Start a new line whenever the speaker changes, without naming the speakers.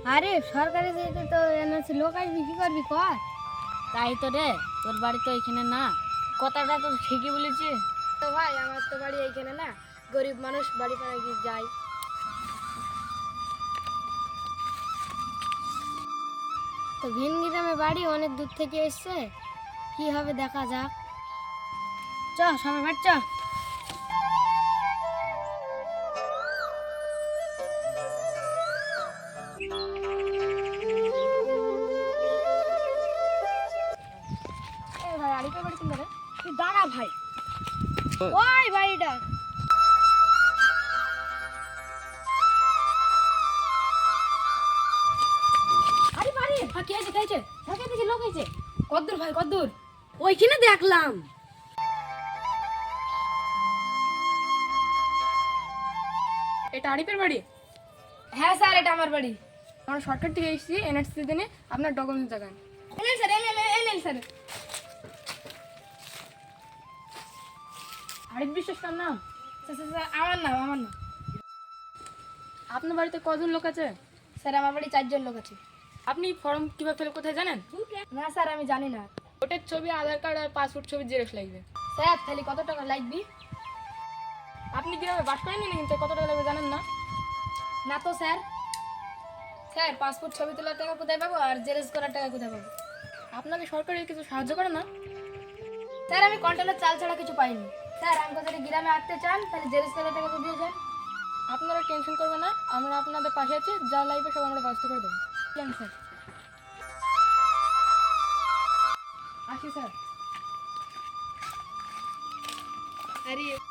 আরে সরকারি যেতে তো এনআরসি লোক আসবি, কি করবি কর।
তাই তো রে, তোর বাড়ি তো এখানে না। কথাটা তো ঠিকই বলেছি।
তো ভাই আমার তো বাড়ি এইখানে না, গরিব মানুষ বাড়ি পাড়া গিয়ে যাই। তো ভিন গ্রামে বাড়ি, অনেক দূর থেকে এসছে, কি হবে দেখা যাক। চ সবাই বাড়ি চ। এ ভাই আরিফের বাড়ি কোনটা রে? তুই দাঁড়া ভাই। ওই বাড়িটা আরে বাড়ি।
হ্যাঁ, কি হয়েছে কি হয়েছে?
ঢাকা থেকে লোক হয়েছে।
কদ্দূর ভাই কদ্দূর?
ওইখানে দেখলাম।
এটা আরিফের বাড়ি?
হ্যাঁ স্যার, এটা আমার বাড়ি।
আমরা শর্টকাট থেকে এসেছি এনআরসি দিনে আপনার ডকুমেন্টস দেখান।
এলেন স্যার, এলেন স্যার।
আরিফ বিশ্বাস কার নাম?
স্যার, আমার নাম।
আপনার বাড়িতে কজন লোক আছে?
স্যার আমার বাড়ি 4 জন লোক আছে।
আপনি ফর্ম কিভাবে ফিল কোথায় জানেন?
না স্যার, আমি জানি না।
ভোটের ছবি, আধার কার্ড আর পাসপোর্ট ছবি জেরক্স লাগবে।
স্যার তাহলে কত টাকা লাগবে?
আপনি গ্রামে বাস করেন না, কিন্তু কত টাকা লাগবে জানেন না?
না তো স্যার। স্যার পাসপোর্ট ছবি তোলার টাকা কোথায় পাবো, আর জেরক্স করার টাকা কোথায় পাবো?
আপনাকে সরকারি কিছু সাহায্য করে না?
স্যার আমি কন্ট্রোলের চাল ছাড়া কিছু পাইনি। স্যার আমাকে যদি গ্রামে আসতে চান তাহলে জেরক্স করার টাকা তো দিয়ে যান।
আপনারা টেনশন করবেন না, আমরা আপনাদের পাশে আছি, যা লাগবে সব আমরা ব্যবস্থা করে দেবো।
কেন স্যার?
আসি স্যার।
আরে